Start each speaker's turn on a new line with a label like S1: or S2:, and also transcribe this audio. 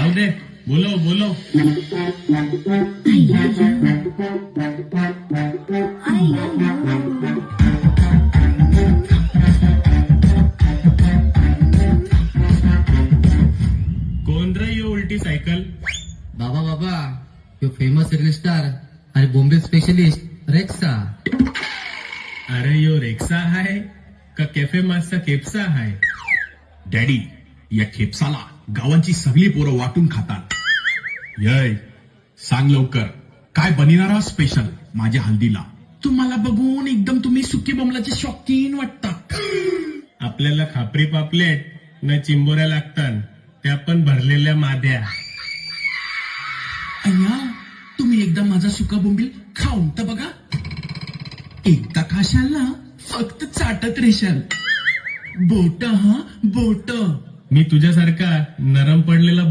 S1: जाऊ दे, बोलो बोलो. कोण रे यो उलटी सायकल?
S2: बाबा बाबा यो फेमस रील स्टार आणि बॉम्बे स्पेशलिस्ट रेक्सा.
S1: अरे यो रेक्सा आहे का कॅफे मास्टर केप्सा आहे?
S3: डॅडी, या खेपसाला गावांची सगळी पोरं वाटून खातात. यय, सांग लवकर, काय बनिनारा स्पेशल माझ्या हल्दीला? तुम्हाला बघून एकदम तुम्ही सुकी बोंबलाचे शौकीन वाटता.
S1: आपल्याला खापरी पापलेट न चिंबोऱ्या लागतात, त्या पण भरलेल्या माद्या.
S3: अय्या, तुम्ही एकदा माझा सुका बोंबील खाऊन तर बघा. एकदा खाशाल ना, फक्त चाटत रेशाल. बोट हा बोट.
S1: मी तुझ्यासारखा नरम पडलेला